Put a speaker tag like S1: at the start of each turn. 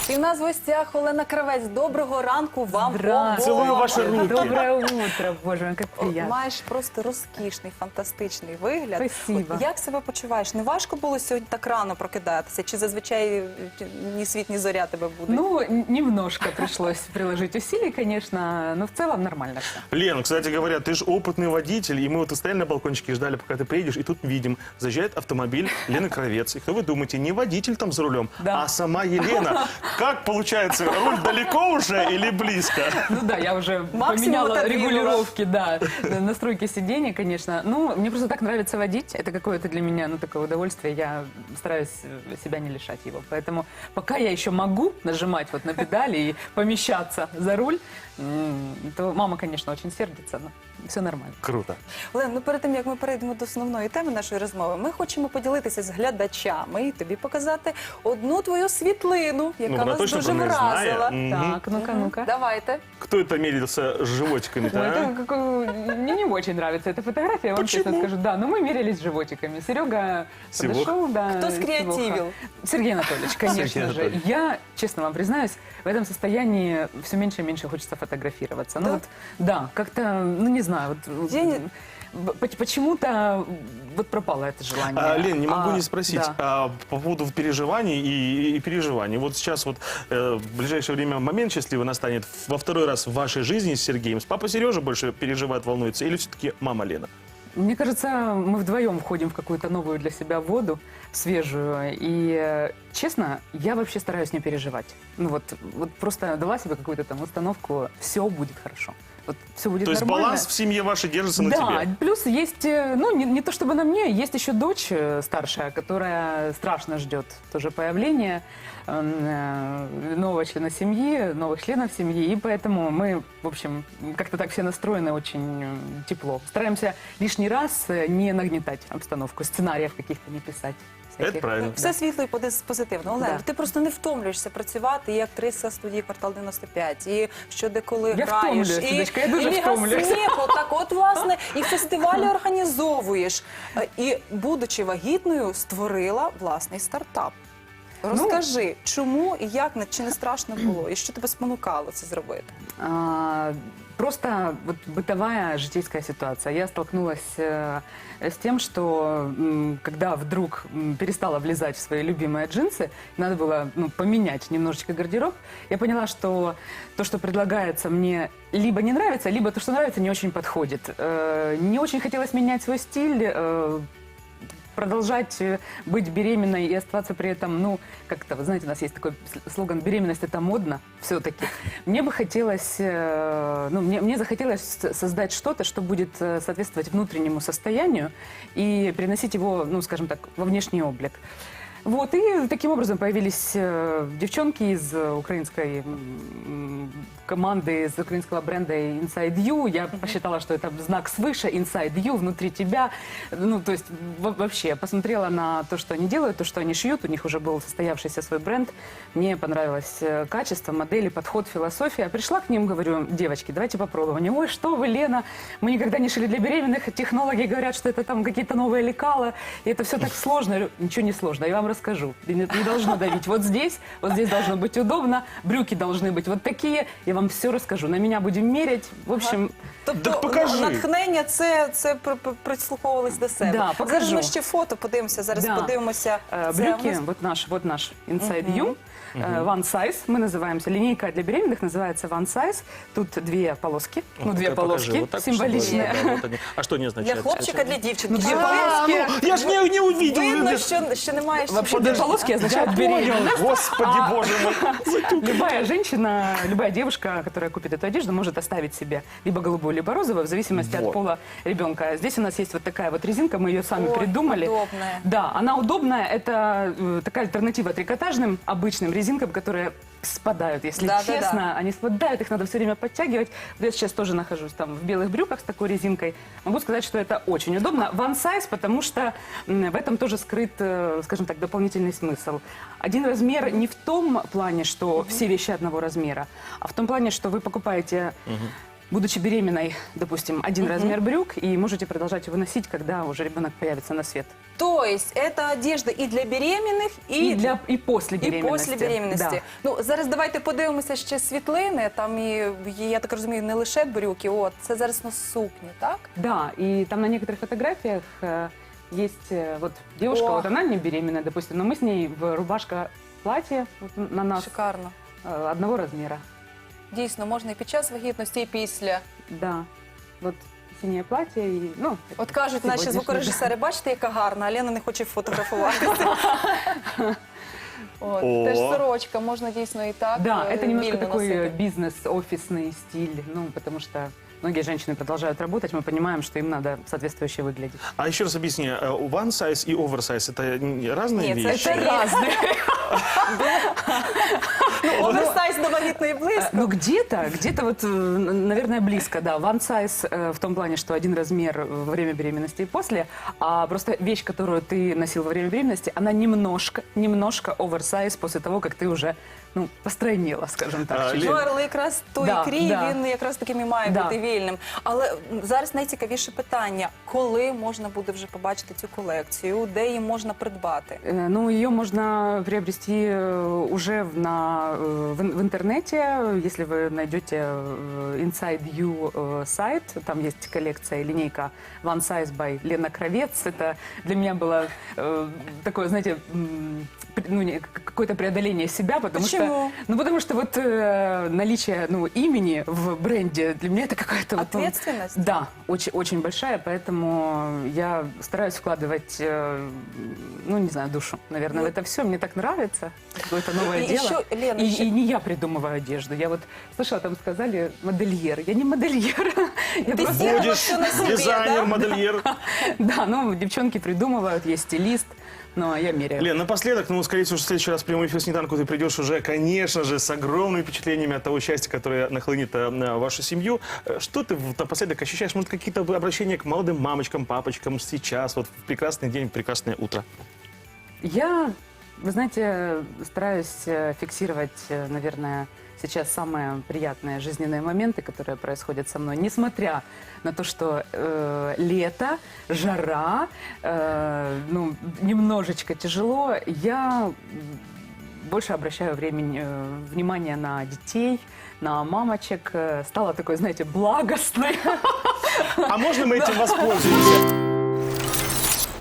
S1: І в нас в гостях Олена Кравець. Доброго ранку вам обом.
S2: Целую ваши руки.
S3: Доброе утро, боже мой, как приятно.
S1: Маєш просто розкішний, фантастичний вигляд.
S3: Спасибо.
S1: От як себе почуваєш? Не важко було сьогодні так рано прокидатися? Чи зазвичай ні світ, ні зоря тебе буде?
S3: Ну, немножко пришлось приложить усилий, конечно, но в целом нормально все.
S2: Лен, кстати говоря, ты же опытный водитель, и мы вот стояли на балкончике и ждали, пока ты приедешь, и тут видим, заезжает автомобиль Лены Кравец. И кто вы думаете, не водитель там за рулем,
S3: Да.
S2: а сама Елена. Как получается, руль далеко уже или близко?
S3: Ну да, я уже
S1: Максимум
S3: поменяла
S1: отодвинула.
S3: регулировки, да, настройки сидений, конечно. Ну, мне просто так нравится водить, это какое-то для меня, ну, такое удовольствие, я стараюсь себя не лишать его. Поэтому пока я еще могу нажимать вот на педали и помещаться за руль, то мама, конечно, очень сердится, но все нормально.
S2: Круто.
S1: Олен, ну перед тим, як ми перейдемо до основної теми нашої розмови, ми хочемо поділитися з глядачами і тобі показати одну твою світлину, яка
S2: вона
S1: нас
S2: точно
S1: дуже
S2: про неї знає.
S1: вразила.
S2: Мгм.
S3: Так, ну-ка, ну-ка.
S1: Давайте.
S2: Кто это мерился с животиками-то,
S3: Ой,
S2: а?
S3: это мне не очень нравится эта фотография, я вам честно
S2: Почему?
S3: скажу. Да, но мы мерились животиками. Серега
S2: Сивох?
S3: подошел, да.
S1: Кто скреативил?
S3: Сивоха. Сергей Анатольевич, конечно
S2: Сергей
S3: же.
S2: Анатольевич.
S3: Я, честно вам признаюсь, в этом состоянии все меньше и меньше хочется фотографироваться.
S1: Да?
S3: Ну вот, да, как-то, ну не знаю, вот,
S1: День-
S3: почему-то вот пропало это желание.
S2: Лен, не могу не спросить
S3: Да.
S2: по поводу переживаний и переживаний. Вот сейчас вот в ближайшее время момент счастливый настанет во второй раз в вашей жизни с Сергеем. Папа Сережа больше переживает, волнуется или все-таки мама Лена?
S3: Мне кажется, мы вдвоем входим в какую-то новую для себя воду, свежую. И, честно, я вообще стараюсь не переживать. Ну вот просто дала себе какую-то там установку, все будет хорошо. Вот все будет
S2: То есть
S3: нормально.
S2: баланс в семье вашей держится на
S3: Да,
S2: тебе?
S3: плюс есть, ну, не то чтобы на мне, есть еще дочь старшая, которая страшно ждет тоже появления нового члена семьи, новых членов семьи, и поэтому мы, в общем, как-то так все настроены очень тепло. Стараемся лишний раз не нагнетать обстановку, сценариев каких-то не писать.
S2: Это правильно.
S1: Все світло і позитивно. Олен,
S3: Да.
S1: ти просто не втомлюєшся працювати і актриса студії «Квартал 95», і що деколи
S3: Я
S1: граєш,
S3: втомлююсь, Людочка, я дуже
S1: Ліга
S3: втомлююсь.
S1: сміху, так от, власне, і фестивалі організовуєш. І, будучи вагітною, створила власний стартап. Розкажи, чому і як, чи не страшно було, і що тебе спонукало це зробити?
S3: Просто вот бытовая житейская ситуация. Я столкнулась с тем, что когда вдруг перестала влезать в свои любимые джинсы, надо было поменять немножечко гардероб, я поняла, что то, что предлагается, мне либо не нравится, либо то, что нравится, не очень подходит. Не очень хотелось менять свой стиль, продолжать быть беременной и оставаться при этом, ну, как-то, вы знаете, у нас есть такой слоган «беременность – это модно» все-таки. Мне бы хотелось, мне захотелось создать что-то, что будет соответствовать внутреннему состоянию и приносить его, ну, скажем так, во внешний облик. Вот, и таким образом появились девчонки из украинской команды, из украинского бренда Inside You. Я посчитала, что это знак свыше, Inside You, внутри тебя. Ну, то есть вообще посмотрела на то, что они делают, то, что они шьют. У них уже был состоявшийся свой бренд. Мне понравилось качество, модели, подход, философия. Пришла к ним, говорю: девочки, давайте попробуем. Они: ой, что вы, Лена, мы никогда не шили для беременных. Технологи говорят, что это там какие-то новые лекала. И это все так сложно. Я говорю: ничего не сложно, я вам расскажу. Не должно давить вот здесь должно быть удобно, брюки должны быть вот такие. Я вам все расскажу. На меня будем мерять. В общем,
S1: Тобто
S2: Так покажи.
S1: натхнення це прислуховувались до себе.
S3: Да, покажу.
S1: Зараз ми ще фото подивимося, зараз
S3: Да.
S1: подивимося. Це
S3: брюки,
S1: ми-
S3: вот наш Inside You. One Size, мы называемся. Линейка для беременных называется One Size. Тут две полоски, ну, две
S2: Ну-ка, покажи.
S3: полоски
S2: Вот так,
S3: символичные.
S2: чтобы- да, вот они. А что не
S1: Для
S2: означает?
S1: хлопчика, для дівчинки.
S3: Ну,
S1: Чи
S3: дві
S1: ви-
S3: полоски.
S2: Я ж не увидел.
S1: Видно, що немає ще
S3: Вообще две полоски означают беременность.
S2: Господи, боже мой.
S3: Любая женщина, любая девушка, которая купит эту одежду, может оставить себе либо голубую, либо розовую, в зависимости
S2: Вот.
S3: от пола ребенка. Здесь у нас есть вот такая вот резинка, мы ее сами
S1: Ой,
S3: придумали.
S1: удобная.
S3: Да, она удобная. Это такая альтернатива трикотажным обычным резинкам, которые спадают, если
S1: Да, да,
S3: честно. Они спадают, их надо все время подтягивать. Вот я сейчас тоже нахожусь там в белых брюках с такой резинкой. Могу сказать, что это очень удобно. One size, потому что в этом тоже скрыт, скажем так, дополнительный смысл. Один размер не в том плане, что все вещи одного размера, а в том плане, что вы покупаете будучи беременной, допустим, один размер брюк, и можете продолжать его носить, когда уже ребенок появится на свет.
S1: То есть это одежда і для беременних,
S3: И после
S1: і
S3: беременности.
S1: після беременності.
S3: Да.
S1: Ну, зараз давайте подивимося ще світлини. Там і, я так розумію, не лише брюки, от, це зараз на сукні, так?
S3: Да, и там на некоторых фотографиях есть вот девушка,
S1: О.
S3: вот она не беременная, допустим, но мы с ней в рубашка-платье вот на нас
S1: Шикарно.
S3: одного размера.
S1: Дійсно, можна і під час вагітності, і після.
S3: Да, вот синее платье и, ну...
S1: От кажуть наші
S3: сьогоднішнє,
S1: звукорежисери, бачите, яка гарна, а Лена не хоче фотографуватися. От,
S2: О.
S1: теж сорочка, можна дійсно і так
S3: Да, это немножко
S1: вільно
S3: такой
S1: носити.
S3: бизнес, офисный стиль, ну, потому что многие женщины продолжают работать, мы понимаем, что им надо соответствующе выглядеть.
S2: А еще раз объясни, one size и oversize это разные
S1: Нет,
S2: вещи?
S1: это
S3: разные.
S1: Ну, оверсайз до вагітної близько.
S3: Ну, где-то вот, наверное, близко, да. One size в том плане, что один размер во время беременности и после, а просто вещь, которую ты носил во время беременности, она немножко оверсайз после того, как ты уже, ну, постройнела, скажем так.
S2: А,
S3: чуть-чуть.
S1: Ну, але якраз той
S3: Да,
S1: крій,
S3: да.
S1: він якраз таким і має
S3: Да.
S1: бути вільним. Але зараз найцікавіше питання, коли можна буде вже побачити цю колекцію, де її можна придбати?
S3: Ну, ее можно приобрести уже в интернете, если вы найдете Inside You сайт, там есть коллекция, линейка One Size by Лена Кравец. Это для меня было такое, знаете, какое-то преодоление себя, потому
S1: Почему?
S3: что, потому что вот наличие, имени в бренде для меня это какая-то вот,
S1: Ответственность?
S3: да, очень, очень большая, поэтому я стараюсь вкладывать, не знаю, душу, наверное, в это все. Мне так нравится, какое-то новое
S1: И
S3: дело.
S1: еще, Лена,
S3: и,
S1: еще-
S3: и не я придумываю одежду. Я вот слышала, там сказали модельер. Я не модельер. Я
S1: Ты
S3: просто-
S1: сделала
S2: Будешь
S1: всё на себе,
S2: дизайнер,
S1: да?
S2: модельер.
S3: Да, девчонки придумывают, есть стилист, но я меряю.
S2: Лен, напоследок, скорее всего, в следующий раз в прямой эфир «Снеданку» ты придешь уже, конечно же, с огромными впечатлениями от того счастья, которое нахлынет на вашу семью. Что ты напоследок ощущаешь? Может, какие-то обращения к молодым мамочкам, папочкам сейчас, вот в прекрасный день, в прекрасное утро?
S3: Я, вы знаете, стараюсь фиксировать, наверное, сейчас самые приятные жизненные моменты, которые происходят со мной, несмотря на то, что лето, жара, немножечко тяжело, я больше обращаю внимание на детей, на мамочек, стала такой, знаете, благостной.
S2: А можно мы этим воспользуемся?